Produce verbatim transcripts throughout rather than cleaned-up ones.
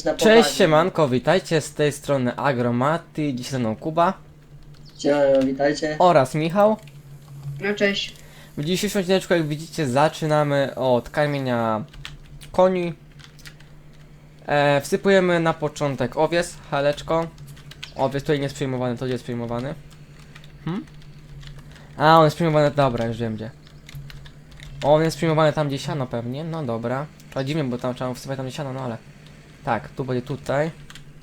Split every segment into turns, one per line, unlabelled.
Na
Cześć
poważnie.
siemanko, witajcie z tej strony Agromaty, dziś ze mną Kuba
Siemano, witajcie.
oraz Michał.
No cześć.
W dzisiejszym odcineczku, jak widzicie, zaczynamy od karmienia koni. e, Wsypujemy na początek owiec, haleczko. Owiec tutaj nie jest przyjmowany, to gdzie jest przyjmowany? Hmm? A, on jest przyjmowany, dobra, już wiem gdzie. On jest przyjmowany tam gdzie siano pewnie, no dobra. To dziwnie, bo tam trzeba wsypać tam gdzie siano, no ale... Tak, tu będzie tutaj.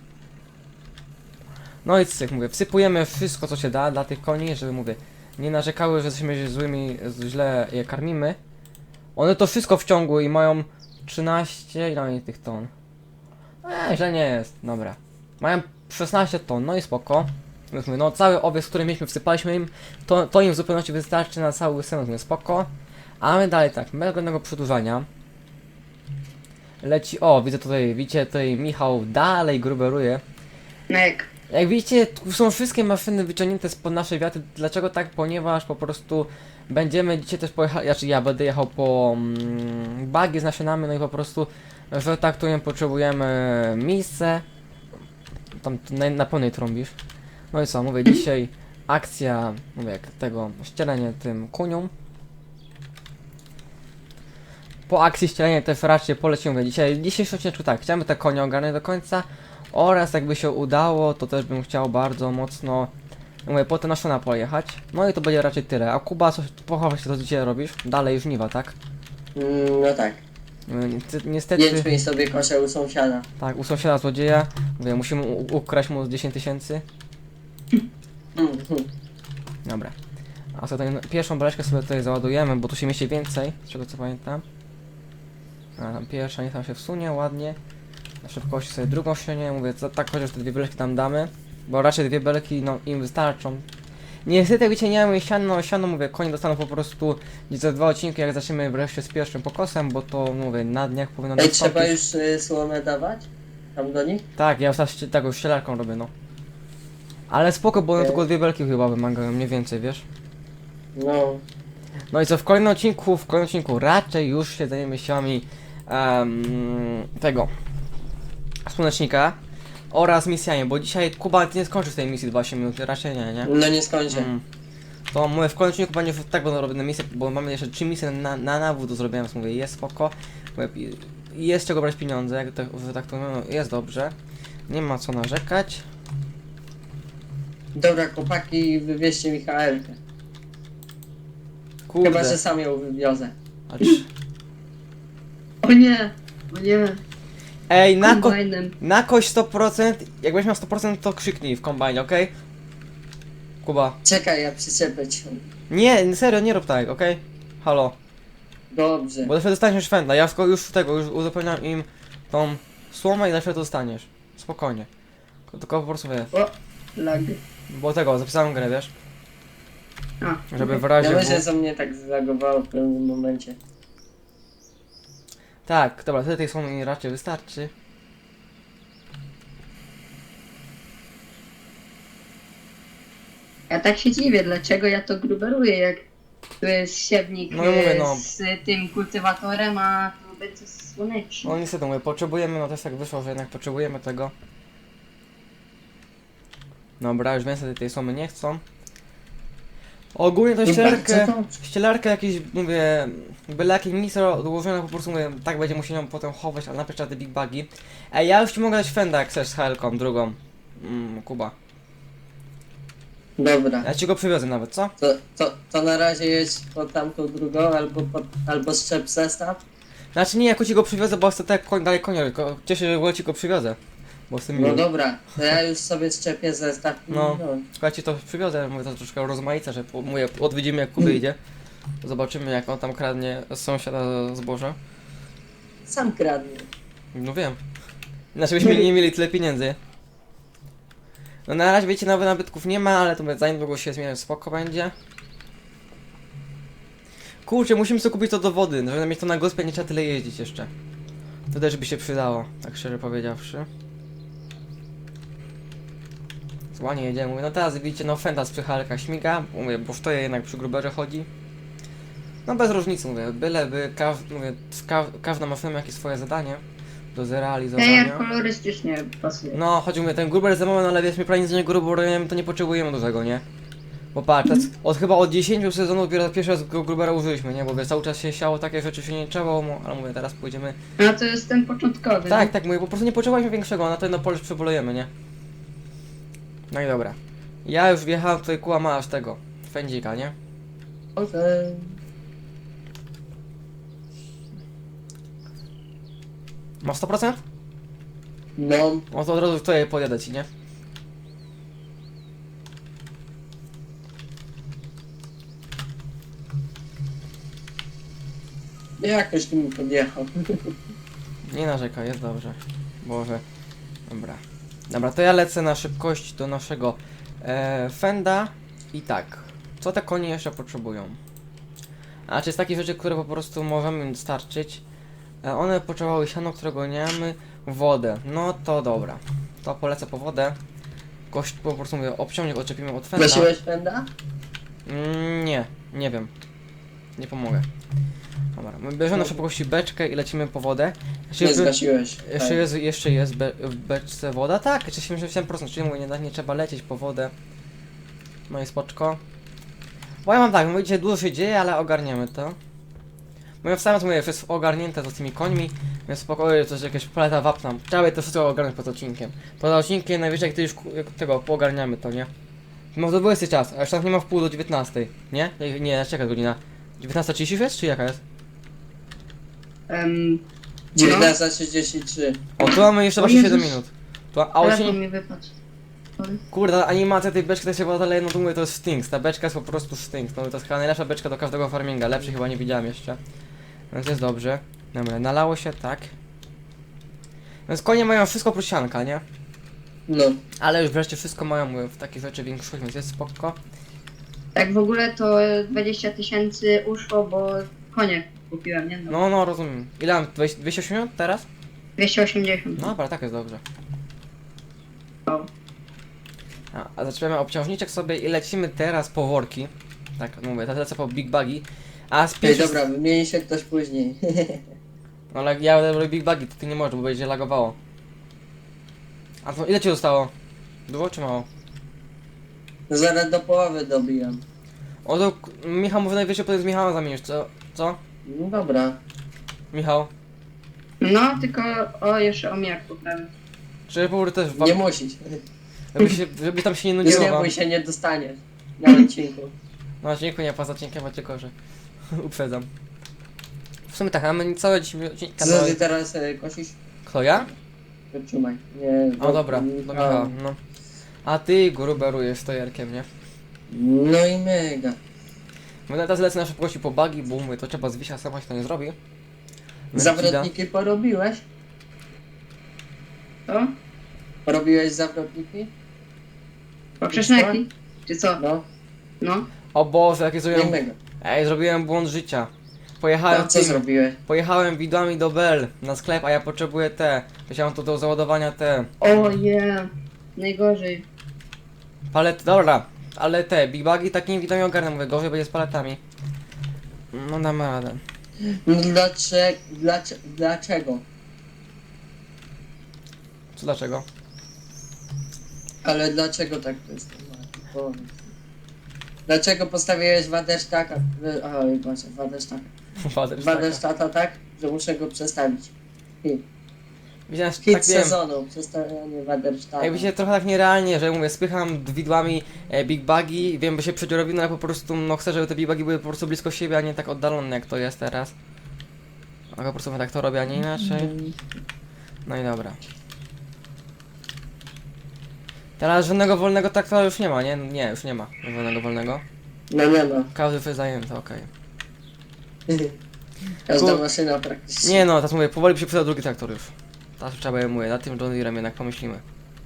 No i cyk, mówię, wsypujemy wszystko co się da dla tych koni, żeby mówię, nie narzekały, że jesteśmy złymi, źle je karmimy. One to wszystko wciągły i mają trzynaście, ile oni tych ton? Eee, źle nie jest, dobra. Mają szesnaście ton, no i spoko. Więc mówię, no cały owiec, który mieliśmy, wsypaliśmy im, to, to im w zupełności wystarczy na cały sezon, mówię, spoko. A my dalej tak, bez żadnego przedłużania. Leci, o, widzę tutaj, widzicie, tutaj Michał dalej gruberuje.
No jak?
Jak widzicie, tu są wszystkie maszyny wyciągnięte spod naszej wiaty. Dlaczego tak? Ponieważ po prostu będziemy dzisiaj też pojechać, znaczy ja będę jechał po mm, bagi z nasionami, no i po prostu, że tak tu nie potrzebujemy miejsce. Tam na, na pełnej trąbisz. No i co, mówię, dzisiaj akcja, mówię, jak tego, ścielenie tym kuniom. Po akcji ścielenia też raczej polecimy dzisiaj. Dzisiejszy odcinek tak, chciałem te konie ogarnąć do końca. Oraz jakby się udało, to też bym chciał bardzo mocno, mówię, po te nasiona pojechać. No i to będzie raczej tyle. A Kuba, coś pochować się, to dzisiaj robisz? Dalej żniwa, tak?
Mm, no tak.
Niestety, niestety
Jęczmień sobie koszę u sąsiada.
tak, u sąsiada złodzieja, mówię, musimy u- ukraść mu z dziesięć tysięcy.
Mm, mm.
Dobra. A sobie tutaj pierwszą beleczkę sobie tutaj załadujemy, bo tu się mieści więcej, z czego co pamiętam. A tam pierwsza, nie tam się wsunie, ładnie. Na szybkości sobie drugą ścianie, mówię, co, tak chociaż te dwie belki tam damy. Bo raczej dwie belki, no, im wystarczą. Niestety, jak wiecie, nie mamy siano, siano, mówię, konie dostaną po prostu gdzieś za dwa odcinki, jak zaczniemy wreszcie z pierwszym pokosem, bo to, mówię, na dniach powinno
Ej,
nastąpić.
trzeba już y, słomę dawać? Tam do nich?
Tak, ja już taką ścielarką robię, no. Ale spoko, bo one
Okej.
tylko dwie belki chyba wymagają, mniej więcej, wiesz?
No.
No i co, w kolejnym odcinku, w kolejnym odcinku raczej już się zajmiemy siłami um, tego słonecznika oraz misjami, bo dzisiaj Kuba nie skończy z tej misji dwanaście minut, raczej nie, nie?
No nie skończę.
Mm. To mówię, w kolejnym odcinku będzie tak będą robione misje, bo mamy jeszcze trzy misje na, na nawód do zrobienia, więc mówię, jest spoko. Mówię, jest z czego brać pieniądze, jak tak, że tak to mówię, no, jest dobrze. Nie ma co narzekać.
Dobra, chłopaki, wywieźcie mi H L-kę.
Kurde.
Chyba, że sam ją wywiozę.
A czy-
O nie! O nie!
Ej, na, ko
Kombajnem.
na kość sto procent, jak będziesz miał sto procent to krzyknij w kombajnie, okej? Kuba.
Czekaj, ja przyczepę cię.
Nie, serio, nie rób tak, okej? Halo.
Dobrze.
Bo wtedy dostaniesz szwenda, ja tylko już tego, już uzupełniam im tą słomę i na chwilę to dostaniesz. Spokojnie. Tylko- Tylko po prostu wiesz,
O! Lag.
bo tego, zapisałem grę, wiesz?
A.
Żeby w
Ja
razie...
myślę,
było-
że mnie tak zlagowało w pewnym momencie.
Tak, dobra, tyle tej słomy mi raczej wystarczy.
Ja tak się dziwię, dlaczego ja to gruberuję, jak tu jest siewnik
No i mówię,
e,
no.
z tym kultywatorem, a tu będzie słoneczny.
No niestety mówię, potrzebujemy, no też tak wyszło, że jednak potrzebujemy tego. Dobra, już więcej tej słomy nie chcą. Ogólnie to
No
ścielarkę,
bardzo dobrze.
ścielarkę jakieś, mówię, byle jakie miejsce odłożone, po prostu mówię, tak będzie musiał ją potem chować, ale najpierw trzeba te big bagi. Ej, ja już ci mogę dać fenda, jak chcesz z H L-ką, drugą. Mm, Kuba.
Dobra.
Ja ci go przywiozę nawet, co?
To, to, to na razie jedź po tamtą drugą, albo, po, albo szczep zestaw.
Znaczy nie, jak ci go przywiozę, bo chcę tak koń, dalej konia, tylko cieszę się, że w ogóle ci go przywiozę. Bo jestem
No
miły.
dobra, to ja już sobie szczepię zestaw. i
No. Słuchajcie, to przywiozę, mówię, to troszkę rozmaica, że po- mówię, odwiedzimy jak Kuby idzie. Zobaczymy jak on tam kradnie z sąsiada zboże.
Sam kradnę.
No wiem. Znaczy byśmy nie mieli tyle pieniędzy. No na razie wiecie, nowych nabytków nie ma, ale to mówię, za niedługo się zmieni, spoko będzie. Kurczę, musimy sobie kupić to do wody, żeby mieć to na gospie, nie trzeba tyle jeździć jeszcze. To też by się przydało, tak szczerze powiedziawszy. Ładnie jedziemy, mówię, no teraz widzicie, no fenda z przychalka śmiga, mówię, bo to jednak przy gruberze chodzi. No bez różnicy, mówię, byleby, kaw, mówię, ka każda maszyna ma jakieś swoje zadanie. do
Tej
zrealizowania.
kolorystycznie pasuje.
No, chodzi mi, ten gruber za moment, ale wiesz, mi prawie z niego gruberujemy, to nie potrzebujemy dużego, nie? Bo patrz, teraz od chyba od dziesięciu sezonów dopiero pierwszy raz go grubera użyliśmy, nie? Bo wiesz, cały czas się siało, takie rzeczy się nie trzeba, mu- ale mówię, teraz pójdziemy...
No to jest ten początkowy.
Tak, tak, mówię, po prostu nie potrzebowaliśmy większego, na to jedno pole już przebolejemy, nie? No i dobra. Ja już wjechałem tutaj ku masz tego, fędzika, nie?
Okej.
Masz sto procent?
No,
No to od razu tutaj podjadę ci, nie?
jakoś tu mi podjechał.
Nie narzekaj, jest dobrze. Boże. Dobra. Dobra, to ja lecę na szybkość do naszego e, Fenda. I tak. Co te konie jeszcze potrzebują? A czy jest takie rzeczy, które po prostu możemy im dostarczyć? E, one potrzebowały siano, którego nie mamy. Wodę. No to dobra. To polecę po wodę. Gość po prostu mówię, obciągnik odczepimy od Fenda.
Gasiłeś pęda?
Mm, nie, nie wiem. Nie pomogę. Dobra, my bierzemy na szybkości beczkę i lecimy po wodę. Jeszcze
Nie
jest-
zgasiłeś.
Jeszcze
Tak.
jest, jeszcze jest be, w beczce woda? Tak, jeszcze siedemdziesiąt siedem procent, czyli mówię, nie, nie trzeba lecieć po wodę. No i spoczko. Bo ja mam tak, mówię, dzisiaj dużo się dzieje, ale ogarniemy to. Bo ja wstałem, to mówię, już jest ogarnięte to z tymi końmi, więc spokojnie, coś jakieś paleta wapna. Trzeba to wszystko ogarnąć pod odcinkiem. Pod odcinkiem najwyżej jak ty już ku- jak tego, poogarniamy to, nie? No to dwudziesty czas, a już tak nie ma w pół do dziewiętnastej, nie? Nie, nie, czeka godzina. dziewiętnasta trzydzieści jest, czy jaka jest?
Um,
dziewiętnasta trzydzieści trzy.
O, tu mamy jeszcze
O
właśnie siedem
Jezus.
minut. Tu, a on się
telefon
nie...
mi wypadł. Oj.
Kurde, animacja tej beczki to się była dalej, no to mówię, to jest Stinks, ta beczka jest po prostu Stinks, no to jest chyba najlepsza beczka do każdego farminga, lepszej chyba nie widziałem jeszcze. Więc jest dobrze. Dobra, nalało się, tak. Więc konie mają wszystko oprócz sianka, nie?
No.
Ale już wreszcie wszystko mają, mówię, w takich rzeczy większość, więc jest spoko.
Tak w ogóle to dwadzieścia tysięcy uszło, bo konie kupiłem, nie? No.
No, no, rozumiem. Ile mam? dwieście osiemdziesiąt teraz?
dwieście osiemdziesiąt.
No dobra, tak jest dobrze.
O.
A, a zaczynamy obciążniczek sobie i lecimy teraz po worki. Tak, mówię, teraz lecę po Big Buggy. A z
Ej,
pierwszy...
dobra, wymieni się ktoś później.
No ale ja robię Big Buggy, to ty nie możesz, bo będzie lagowało. A to ile ci zostało? Dużo czy mało?
Zaraz do połowy dobijam.
O to k- Michał mówi najwyżej potem z Michałem zamienisz, co? Co?
No dobra.
Michał?
No, tylko o jeszcze omijak poprawię.
Czy powrót też
Nie
wam,
musisz.
żeby, się, żeby tam się nie
Nie
nudziło wam.
bój się, nie dostaniesz. Na odcinku.
No dziękuję, nie poza odcinkiem, a tylko, że uprzedzam. W sumie tak, a my całe dziś odcinka...
Co ty teraz e, kosisz?
Kto ja?
Wytrzymaj. Nie.
O dobra, do Michała, no. A ty gruberujesz stojerkiem, nie?
No i mega.
Bo teraz lecę na szybkości po bugi, bo mówię, to trzeba z wisia, sama się to nie zrobi. Więc
Zawrotniki porobiłeś?
To?
Porobiłeś zawrotniki?
Poprzeczneki? Czy co?
No.
No.
O Boże, jakie
Nie
zrobiłem...
mega.
Ej, zrobiłem błąd życia. Pojechałem
A co
tym-
zrobiłeś?
Pojechałem widłami do Bell na sklep, a ja potrzebuję te. Chciałem tu do załadowania te.
O je. Najgorzej.
Palety, dobra, ale te Big Bugi takimi widłami ogarnę, mówię, gorzej będzie z paletami. No damy radę.
No dlaczego? Dlaczego? Dlaczego?
Co dlaczego?
Ale dlaczego tak to jest? Powiedz. Dlaczego postawiłeś Wadesztaka? Oj, Boże, Wadesztaka.
Wader,
Wadesztata tak, że muszę go przestawić. Hit,
Widziałem, że
Hit
tak wiem.
sezonu, przestawianie Wadesztata.
Ej, wiecie, trochę tak nierealnie, że mówię, spycham widłami e, Big Bugi, wiem, by się przedziorowi, no ale po prostu, no chcę, żeby te Big Bugi były po prostu blisko siebie, a nie tak oddalone jak to jest teraz. A po prostu tak to robię, a nie inaczej. No i dobra. Teraz żadnego wolnego traktora już nie ma, nie? Nie, już nie ma żadnego wolnego.
No nie no.
Każdy jest zajęty, okej.
Każda
Kur-
maszyna praktycznie.
Nie no, teraz mówię, powoli by się przydał drugi traktor już. Teraz trzeba je mówię, nad tym John Deerem jednak pomyślimy.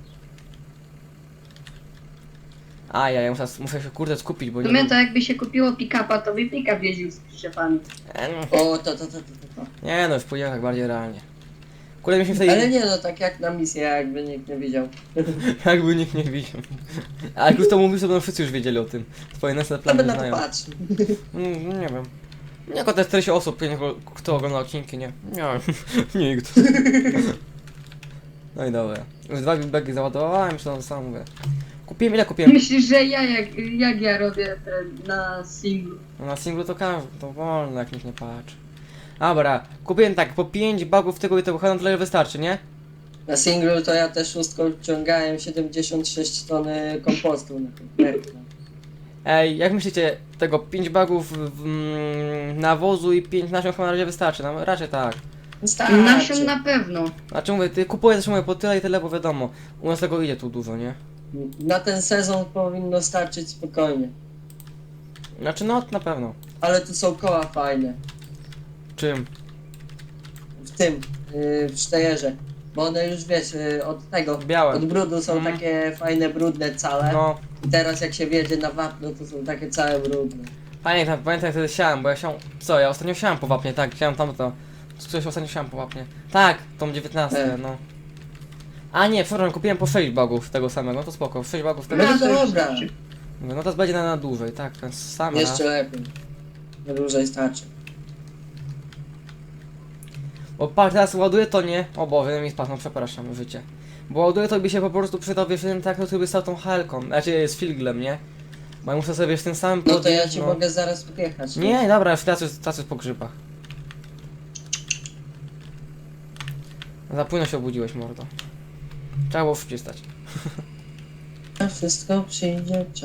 A ja, ja muszę, muszę się kurde skupić, bo
W
nie
sumie
wiem.
to jakby się kupiło pick-upa, to by pick-up jeździł z przyczepami.
E, no.
O, to, to, to, to, to.
Nie no, już pójdziemy tak bardziej realnie. Kurde, myśmy wtedy...
Ale nie no, tak jak na misję, jakby nikt nie widział.
Jakby nikt nie widział. A jak już to mówisz, to będą wszyscy już wiedzieli o tym. Twoje następne
To by
plany
na to
znają.
patrzył.
Mm, nie wiem. Nie, te czterdzieści osób, nie, kto ogląda odcinki, nie? Nie, nikt. No i dobra. Już dwa bagi załadowałem, czy to samo mówię. Kupiłem, ile kupiłem?
Myślisz, że ja jak, jak ja robię ten na singlu?
No na singlu to każdy, to wolno, jak nikt nie patrzy. Dobra, kupiłem tak, po pięć bagów tego i tego chyba na tyle wystarczy, nie?
Na singlu to ja też szóstką ciągałem siedemdziesiąt sześć tony kompostu na tym projekcie.
Ej, jak myślicie, tego pięć bagów mm, nawozu i pięć nasion chyba na razie wystarczy? No raczej tak.
Starczy.
Nasion na pewno.
Znaczy mówię, ty kupuję też mówię po tyle i tyle, bo wiadomo, u nas tego idzie tu dużo, nie?
Na ten sezon powinno starczyć spokojnie.
Znaczy no, na pewno.
Ale tu są koła fajne.
Czym?
W tym, yy, w sztejerze. Bo one już wiesz, yy, od tego,
Białe.
od brudu są
Mhm.
takie fajne, brudne całe.
No,
I teraz jak się wjedzie na wapno, to są takie całe brudne.
pamiętam, pamiętam jak wtedy siałem, bo ja siałem, co, ja ostatnio siałem po wapnie, tak, siałem tam to, coś ostatnio siałem po wapnie. Tak, tą dziewiętnastkę,
E.
no. A nie, przepraszam, kupiłem po sześć bagów tego samego, no to spoko, sześć bagów tego.
No
to już
dobra.
starczy.
Mówię, no to będzie na, na dłużej, tak, ten sam raz.
Jeszcze lepiej. Na dłużej starczy.
Bo pak teraz ładuję to nie, o Boże, mi spadł, no przepraszam, życie. Bo ładuję to by się po prostu przydał, wiesz, ten tak, który by stał tą helką, znaczy z filglem, nie? Bo ja muszę sobie w tym samym
No to ja
podjeść,
ci
no.
mogę zaraz podjechać.
Nie, dobra, już tacy, tacy po grzybach. Za późno się obudziłeś, mordo. Trzeba było szybciej stać.
A wszystko przyjdzie w czas.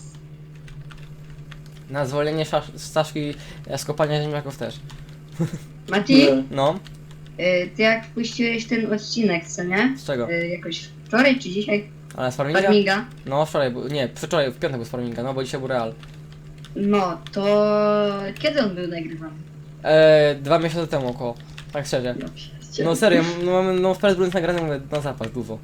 Na zwolnienie Szasz- Staszki z kopania ziemniaków też.
Mati,
No.
No,
y, ty jak wpuściłeś ten odcinek, co nie?
z czego?
Y, jakoś wczoraj czy dzisiaj?
Ale z farminga?
Farminga.
No, wczoraj, był- nie, wczoraj, w piątek był z farminga, no bo dzisiaj był real.
No, to kiedy on był nagrywany?
Eee, dwa miesiące temu około, tak szczerze.
No, przecież.
No serio, no mamy, no wprawdzie byłem nagrany, mówię, na zapas, dużo.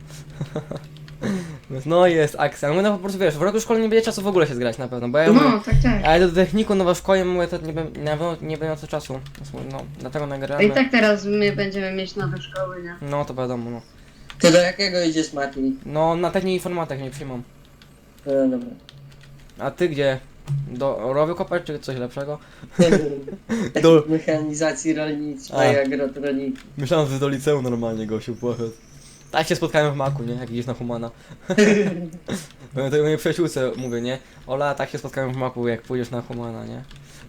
No jest akcja, no, no po prostu wiesz, w roku szkolnym nie będzie czasu w ogóle się zgrać na pewno, bo ja mówię,
No, tak, tak.
ale do techniku, no w szkole mówię, to nie, bę- na pewno nie będę miał co czasu, no dlatego
A
nagramy.
i tak teraz my będziemy mieć nowe szkoły, nie?
No to wiadomo, no.
Ty do jakiego idziesz, Mati?
No na technik informatyk nie przyjmą.
No dobra.
A ty gdzie? Do rowy kopać czy coś lepszego?
Do mechanizacji rolniczej,
A.
agrotroniki.
Myślałem, że do liceum normalnie gościu poszedł. Tak się spotkałem w Maku, nie? Jak idziesz na Humana. Bo to mojej przyjaciółce mówię, nie? Ola, tak się spotkałem w Maku, jak pójdziesz na Humana, nie?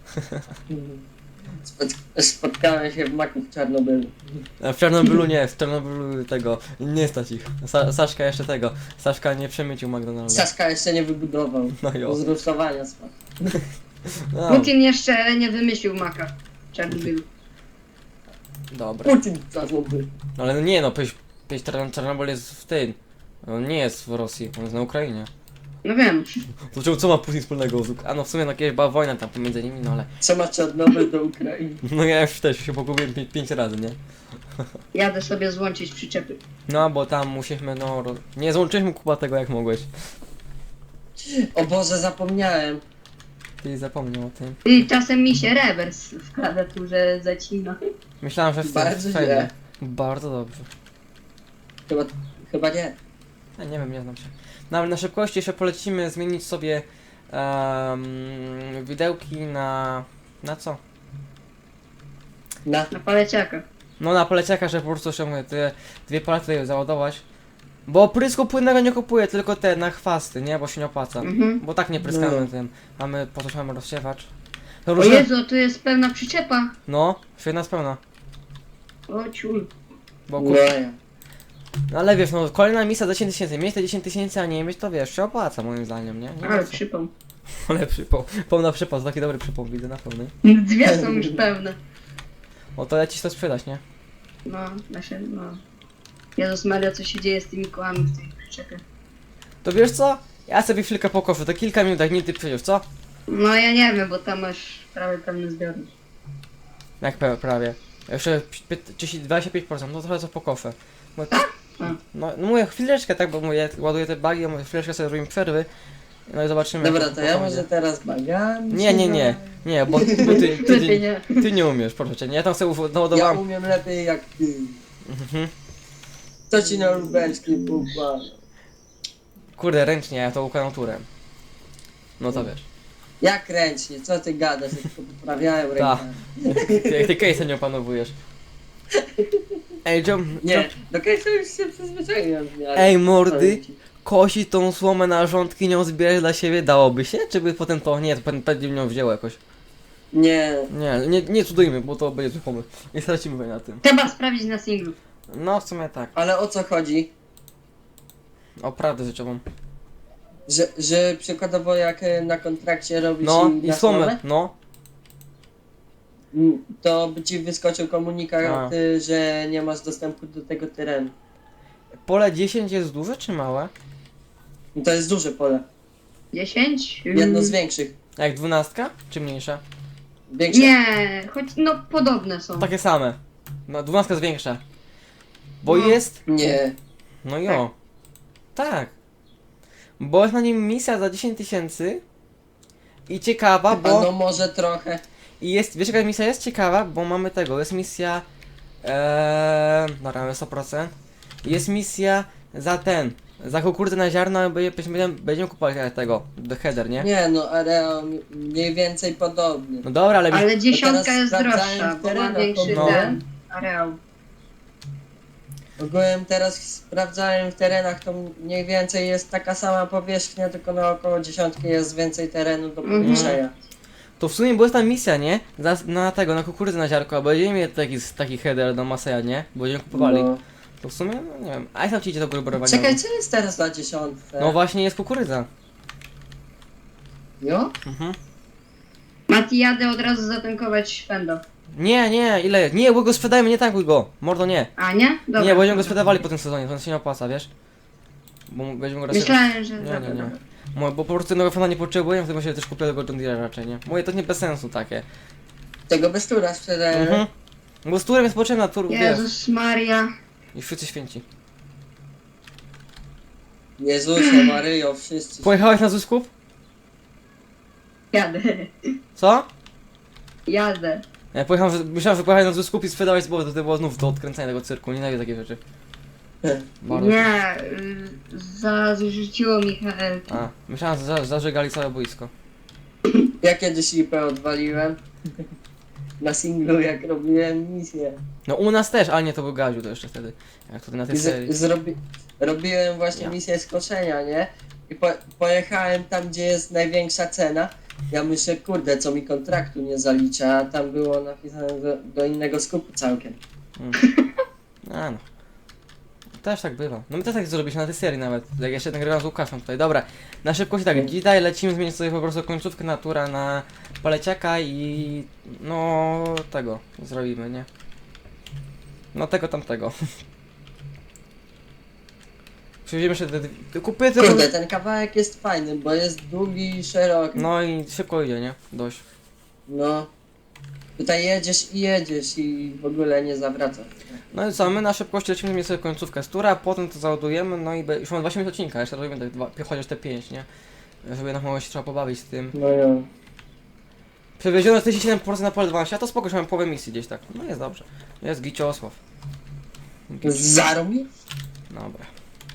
Spot spotkałem się w Maku w Czarnobylu.
A w Czarnobylu nie, w Czarnobylu tego, nie stać ich. Sa Saszka jeszcze tego, Saszka nie przemycił McDonalda.
Saska jeszcze nie wybudował.
No jo.
Z rusztowania spadł.
No,
Putin jeszcze nie wymyślił maka w Czarnobylu.
dobra.
Putin w Czarnobylu.
Ale no nie no, przecież przecież Czarn- Czarnobyl jest w tym. On nie jest w Rosji, on jest na Ukrainie.
No wiem.
To czemu, co ma Putin wspólnego z Uk- A no w sumie no kiedyś była wojna tam pomiędzy nimi, no ale...
Co ma Czarnobyl do Ukrainy?
No ja już też się pogubiłem pię pięć razy, nie?
Jadę sobie złączyć przyczepy.
No bo tam musieliśmy, no... Ro... Nie złączyliśmy kuba tego jak mogłeś.
O Boże, zapomniałem.
Ty zapomniał o tym.
I czasem mi się rewers w klawiaturze zacina.
Myślałem, że w tym
Bardzo
fajnie.
źle.
Bardzo dobrze.
Chyba, chyba nie.
Ja nie wiem, nie znam się. No ale na szybkości jeszcze polecimy zmienić sobie um, widełki na... Na co?
Na.
Na paleciaka.
No na poleciaka, że po prostu jeszcze mówię, te dwie palety tutaj załadować. Bo prysku płynnego nie kupuję, tylko te na chwasty, nie? Bo się nie opłaca.
Mhm.
Bo tak nie pryskamy
No.
tym. Mamy, po co mamy rozsiewacz. To
O
różne...
Jezu, tu jest pełna przyczepa.
No, świetna spełna.
O ciul.
Bo
No
kur...
ja.
No ale wiesz, no kolejna misja za dziesięć tysięcy. Mieć te dziesięć tysięcy, a nie mieć, to wiesz, się opłaca moim zdaniem, nie? Nie
Ale
ma co.
przypał.
Ale przypał. Pełna przypał, to taki dobry przypał widzę na pełnej.
Dwie są już pełne.
O to leci to sprzedać, nie?
No, nasze, no. Jezus Maria, co się dzieje z tymi kołami w tej przyczepie?
To wiesz co? Ja sobie chwilkę pokoszę, to kilka minut, jak nie ty przyjdziesz, co?
No ja nie wiem, bo tam masz prawie pełny zbiornik.
Jak pe- prawie. Jeszcze pi- trzydzieści, dwadzieścia pięć procent, no trochę co pokoszę. Bo,
A.
no, no mówię chwileczkę, tak, bo mówię, ładuję te bagi, mówię chwileczkę sobie robimy przerwy. No i zobaczymy.
Dobra,
jak
to ja
będzie.
może teraz bagami.
Nie, nie, nie, nie, bo, bo ty, ty, ty,
Lepiej nie.
ty nie umiesz, proszę cię, nie, ja tam sobie
Ja
naładowałem.
umiem lepiej jak ty.
Mhm.
To ci na lubelski pukła.
Kurde, ręcznie, ja to układam turem. No to wiesz.
Jak ręcznie, co ty gadasz, ja tylko poprawiałem
Tak.
rękami.
Ty, jak ty case'a nie opanowujesz. Ej, John,
Nie, do końca już się przyzwyczaiłem w miarę.
Ej, mordy.
Powiem ci.
Kosić tą słomę na rządki, nią zbierać dla siebie, dałoby się? Czy by potem to, nie, to pewnie pewnie nią wzięło jakoś.
Nie,
Nie, nie, nie cudujmy, bo to będzie zły pomysł. Nie stracimy na tym.
Trzeba sprawdzić na singlu.
No, w sumie tak.
ale o co chodzi?
O prawdę rzeczową.
Że, że przykładowo jak e, na kontrakcie robisz
No,
i
i
na
słomę,
słomę,
no.
m, to by ci wyskoczył komunikat,
A.
y, że nie masz dostępu do tego terenu.
Pole dziesięć jest duże czy małe?
I to jest duże pole.
dziesięć?
Jedno z większych.
Jak dwunastka? Czy mniejsza?
Większe.
Nie, choć no podobne są.
Takie same. No, dwunastka jest większa. Bo
No.
jest...
Nie.
No jo. Tak. Bo jest na nim misja za dziesięć tysięcy. I ciekawa,
A
bo...
no może trochę.
I jest, wiesz jaka misja jest ciekawa, bo mamy tego, jest misja, eee, dobra, mamy sto procent, jest misja za ten, za kukurydzę na ziarno, będziemy, będziemy kupować tego, the header, nie?
Nie no, areał mniej więcej podobny.
No dobra, ale,
Ale dziesiątka
teraz
jest
sprawdzałem
droższa,
w
bo ma
terenach,
większy
no.
ten areał.
Ogółem teraz sprawdzałem w terenach, to mniej więcej jest taka sama powierzchnia, tylko na około dziesiątki jest więcej terenu do
Mhm.
powiększenia.
to w sumie była ta misja, nie? Za, na tego, na kukurydzę na ziarko, a będziemy mieli taki, taki header do Maseja, nie? Bo będziemy kupowali.
No.
To w sumie, no nie wiem, a jak tam ci idzie to gruberowanie?
Czekaj, co jest teraz na dziesiątce?
No właśnie jest kukurydza.
Jo?
Mhm.
Mati, jadę od razu zatankować Fendo.
Nie, nie, ile? Nie, bo go sprzedajmy, nie tankuj go. Mordo, nie.
A nie? Dobra.
Nie, bo będziemy go sprzedawali po tym sezonie, to się nie opłaca, wiesz? Bo będziemy go raczej...
Myślałem, że...
Nie,
dobra,
nie, nie.
dobra.
Mo- Bo po prostu jednego fana nie potrzebuję, wtedy się też kupię tego John Deere raczej, nie? Moje to nie bez sensu takie.
Tego bez tura sprzedałem.
Mhm. Bo z turem jest potrzebna, tur, wiesz.
Jezus Maria.
I wszyscy święci.
Jezusie, Maryjo, wszyscy.
Pojechałeś na Zuskup?
Jadę.
Co?
Jadę.
Ja pojechałem, że- myślałem, że pojechałeś na Zuskup i sprzedałeś z to, to było znów do odkręcania tego cyrku, nienawidzę takie rzeczy. Bardzo.
Nie, y, zarzuciło mi H L.
A, myślałem, że za- zażegali całe boisko.
Ja kiedyś lipę odwaliłem. Na singlu, jak robiłem misję.
No u nas też, ale nie, to był Gaziu to jeszcze wtedy. Jak tutaj na tej
I
serii.
z, zrobi, robiłem właśnie
Ja.
misję skoczenia, nie? I po, pojechałem tam, gdzie jest największa cena. Ja myślę, kurde, co mi kontraktu nie zalicza, a tam było napisane do, do innego skupu całkiem.
Mm. A no. Też tak bywa. No my też tak zrobiliśmy na tej serii nawet. Jak jeszcze nagrywam z Łukaszem tutaj. Dobra, na szybkość tak,
Mm.
dzisiaj lecimy zmienić sobie po prostu końcówkę natura na paleciaka i no tego zrobimy, nie? No tego tamtego. Przywieziemy jeszcze te, te kupię tylko...
Kurde, ten kawałek jest fajny, bo jest długi i szeroki.
No i szybko idzie, nie? Dość.
No. Tutaj jedziesz i jedziesz i w ogóle nie zawracasz.
No i co, my na szybkości lecimy zmienić sobie końcówkę z tura, potem to załadujemy, no i be- już mamy dwadzieścia minut odcinka, jeszcze robimy tak dwa, chociaż te pięć, nie? Żeby na mało się trzeba pobawić z tym.
No jo.
Przewiezione czterdzieści siedem procent na pole dwanaście, a to spoko, że mamy połowę misji gdzieś tak. No jest dobrze. Jest Giciosław.
Zarobi?
Dobra.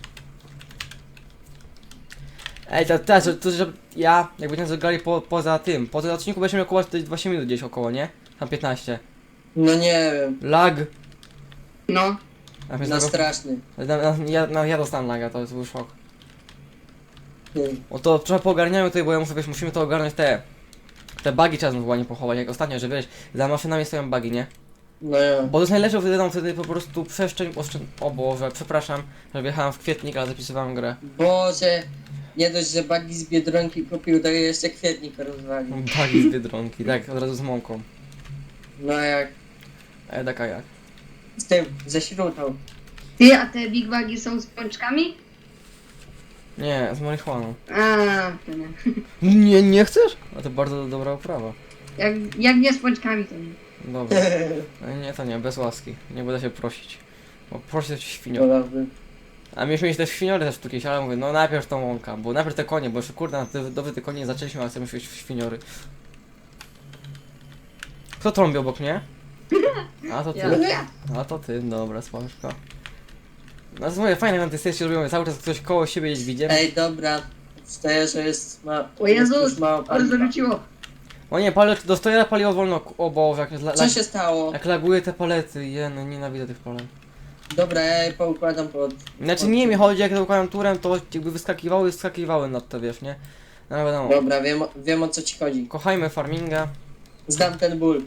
Ej, to teraz, to, to, że ja, jak będziemy zagrali po, poza tym, po tym odcinku będziemy miał około dwadzieścia minut gdzieś około, nie? Tam piętnaście.
No nie wiem.
Lag.
No.
A mnie
Na
zago-
straszny.
na, na, ja, na, ja dostałem laga, to jest był szok.
Hmm.
O to trochę poogarniamy tutaj, bo ja muszę, wiesz, musimy to ogarnąć te... Te bugi trzeba znowu ładnie pochować, jak ostatnio, że wiesz, za maszynami stoją bugi, nie?
No jo.
Bo to jest najlepsze, wtedy tam wtedy po prostu przeszczeń, oszczę... O Boże, przepraszam, że wjechałem w kwietnik, ale zapisywałem grę.
Boże, nie dość, że Bagi z Biedronki kupił, to jeszcze kwietnik rozwalił.
Bugi z Biedronki, tak, od razu z mąką.
No jak
E, taka jak.
z tym, ze śrutą.
Ty, a te big bagi są z pączkami?
Nie, z marihuaną.
A, to nie.
Nie, nie chcesz? A to bardzo dobra oprawa.
Jak, jak nie z pączkami, to nie.
Dobra. E, Nie, to nie, bez łaski. Nie będę się prosić. Bo prosić to ci świnio.
Wolałbym.
A mieliśmy mieć też świniory też tu kiedyś, ale mówię, no najpierw tą łąka, bo najpierw te konie, bo jeszcze kurde, na te, dobre te konie nie zaczęliśmy, ale chcemy mieć świniory. Kto trąbi obok mnie? A to ty.
Ja.
A to ty, dobra, sławka. No to mówię, fajne na tej sesji robią, cały czas ktoś koło siebie gdzieś widzimy.
Ej, dobra. Stoję, że jest ma...
O
jest
Jezus,
już mało
ale
paliwa.
zarzuciło.
O nie, palet, dostaję paliwo wolno. O Boże, jak, la,
Co się stało?
jak laguje te palety. Je, no nienawidzę tych palet.
Dobra, ja je poukładam pod...
Znaczy
pod-
nie mi chodzi, jak to układam turem, to jakby wyskakiwały i skakiwały nad to, wiesz, nie? No wiadomo.
Dobra, wiem, o- wiem o co ci chodzi.
Kochajmy farminga.
Znam ten ból.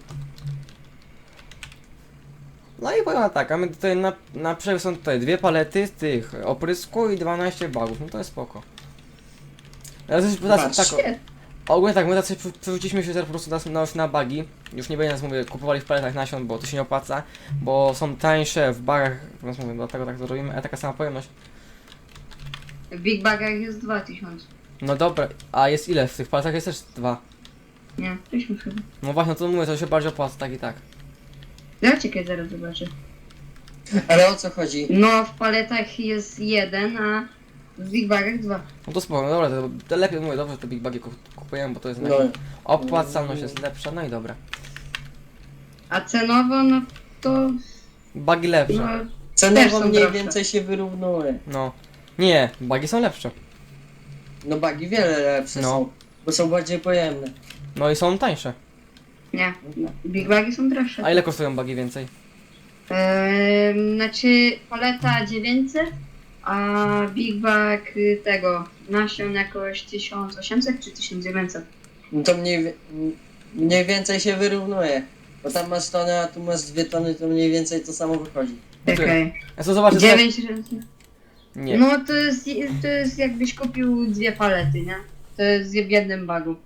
No i powiem tak, a my tutaj na, na przykład są tutaj dwie palety z tych oprysku i dwanaście bagów, no to jest spoko. Ale coś tak, tak,
Patrzcie.
ogólnie tak, my tacy przy- przerzuciliśmy się teraz po prostu na, na, na bagi. Już nie będzie nas, mówię, kupowali w paletach nasion, bo to się nie opłaca, bo są tańsze w bagach, więc mówię, dlatego tak zrobimy, a taka sama pojemność.
W Big Bagach jest dwa tysiące.
No dobra, a jest ile? W tych paletach jest też dwa.
Nie, tysiąc chyba.
No właśnie, no to mówię, to się bardziej opłaca, tak i tak.
Ja czekaj, zaraz zobaczę.
Ale o co chodzi?
No, w paletach jest jeden, a w Big Bagach dwa.
No to spoko, no dobra, to, to lepiej mówię, dobrze, te big bagi kup- kupujemy, bo to jest
No,
no. Opłacalność jest lepsza, no i dobra.
A cenowo, no to...
Bagi lepsze.
No,
cenowo
Też są
mniej
droższe.
więcej się wyrównuje.
No. Nie, bagi są lepsze.
No bagi wiele lepsze
No.
są, bo są bardziej pojemne.
No i są tańsze.
nie. Big Bagi są droższe.
A ile kosztują bagi więcej?
Eee, znaczy paleta dziewięćset, a Big Bag y, tego nasion jakoś tysiąc osiemset czy tysiąc dziewięćset.
No to mniej, wie- mniej więcej się wyrównuje. Bo tam masz tonę, a tu masz dwie tony, to mniej więcej to samo wychodzi.
Czekaj.
Ja co zobaczę
dziewięć razy.
Nie.
No to jest, to jest jakbyś kupił dwie palety, nie? To jest w jednym bagu.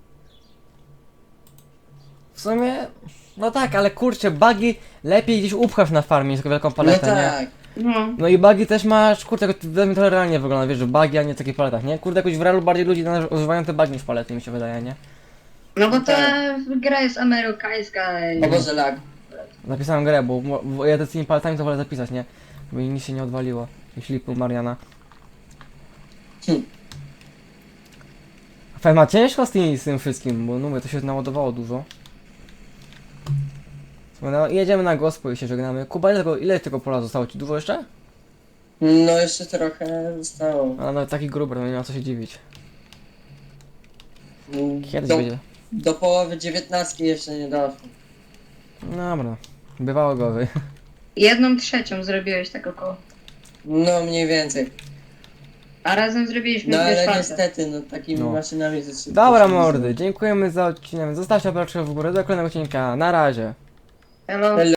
W sumie. No tak, ale kurczę, bagi lepiej gdzieś upchasz na farmie niż taką wielką paletę,
no
nie?
tak.
No.
No i bagi też masz, kurczę, jak to, to realnie wygląda, wiesz, że bagi, a nie w takich paletach, nie? Kurde, jakoś w realu bardziej ludzi na- używają te bagi niż palety, mi się wydaje, nie?
No bo ta
Tak.
gra jest amerykańska. i-
O Boże, lag.
Zapisałem grę, bo, bo ja z tymi paletami to wolę zapisać, nie? Bo mi nic się nie odwaliło. Jeśli pół Mariana.
Hm.
Fajnie, ma ciężko z, tymi, z tym wszystkim, bo no mówię, to się naładowało dużo. No, jedziemy na gospo i się żegnamy. Kuba, ile tego, ile tego pola zostało ci? Dużo jeszcze?
No jeszcze trochę zostało.
A no taki gruber, no nie ma co się dziwić. Kiedyś
Do,
będzie.
do połowy dziewiętnastki jeszcze nie doszło.
Dobra. Bywało gowy.
Jedną trzecią zrobiłeś tak około.
No mniej więcej.
A razem zrobiliśmy
No
dwie
ale
czwarte.
niestety, no takimi
No.
maszynami to szybko
Dobra
się nie
mordy,
zrobi.
dziękujemy za odcinek. Zostawcie łapkę w górę do kolejnego odcinka. Na razie.
Hello.